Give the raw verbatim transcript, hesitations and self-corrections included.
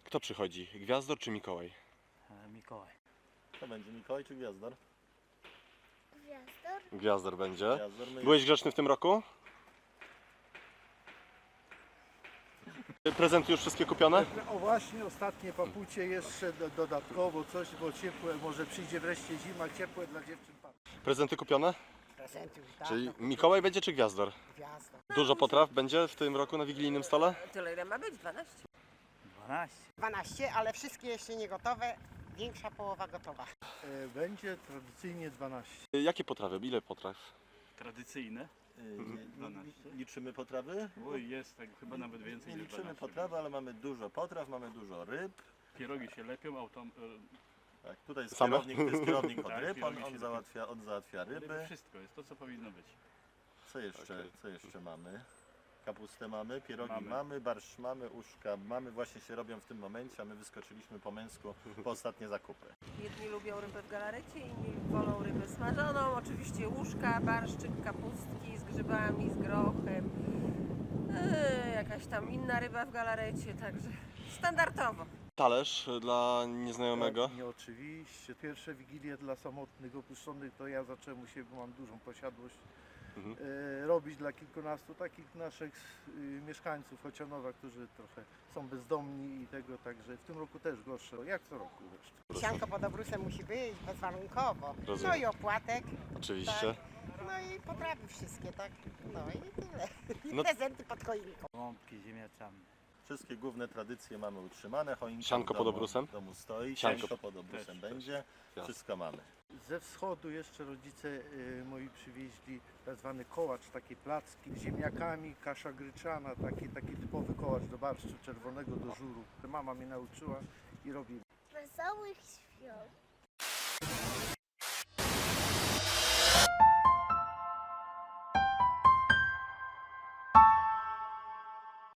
Kto przychodzi? Gwiazdor czy Mikołaj? E, Mikołaj. To będzie Mikołaj czy Gwiazdor? Gwiazdor? Gwiazdor będzie. Gwiazdor, my Byłeś grzeczny w tym roku? Prezenty już wszystkie kupione? O właśnie, ostatnie papucie jeszcze do, dodatkowo coś, bo ciepłe, może przyjdzie wreszcie zima, ciepłe dla dziewczyn. Prezenty kupione? Prezenty już dawno. Czyli Mikołaj będzie czy Gwiazdor? Gwiazda. Dużo potraw będzie w tym roku na wigilijnym stole? Tyle ile ma być? dwanaście? dwanaście. dwanaście, ale wszystkie jeszcze nie gotowe. Większa połowa gotowa. E, Będzie tradycyjnie dwanaście. Jakie potrawy? Ile potraw? Tradycyjne. y, li- liczymy potrawy? Oj, jest tak chyba nawet więcej Nie niż liczymy dwanaście. potrawy, ale mamy dużo potraw, mamy dużo ryb. Pierogi się lepią, autom... Tak, tutaj jest Same? kierownik, to jest kierownik od Tak, ryb, on, kierownik on, się załatwia, on załatwia e, ryby. ryby. Wszystko jest to, co powinno być. Co jeszcze, Okej. co jeszcze mamy? Kapustę mamy, pierogi mamy. Mamy. barszcz mamy, uszka mamy, właśnie się robią w tym momencie, a my wyskoczyliśmy po męsku po ostatnie zakupy. Jedni lubią rybę w galarecie, inni wolą rybę smażoną. Oczywiście łóżka, barszczyk, kapustki z grzybami, z grochem. Eee, jakaś tam inna ryba w galarecie, także standardowo. Talerz dla nieznajomego. Nie, oczywiście. Pierwsze wigilie dla samotnych, opuszczonych to ja zacząłem u siebie, bo mam dużą posiadłość. Mhm. E, robić dla kilkunastu takich naszych y, mieszkańców Chocianowa, którzy trochę są bezdomni i tego, także w tym roku też gorsze, jak co roku zresztą. Sianko pod obrusem musi być bezwarunkowo. Rozumiem. No i opłatek. Oczywiście. No i potrawy wszystkie, tak? No i tyle. I No- prezenty pod choinką. Gąbki ziemniaczane. Wszystkie główne tradycje mamy utrzymane, choinka Sianko w pod domu, obrusem? w domu stoi, Sianko. sianko pod obrusem Też, będzie, wszystko mamy. Ze wschodu jeszcze rodzice y, moi przywieźli tak zwany kołacz, takie placki z ziemniakami, kasza gryczana, taki, taki typowy kołacz do barszczu czerwonego, do żuru. Mama mnie nauczyła i robi. Wesołych świąt.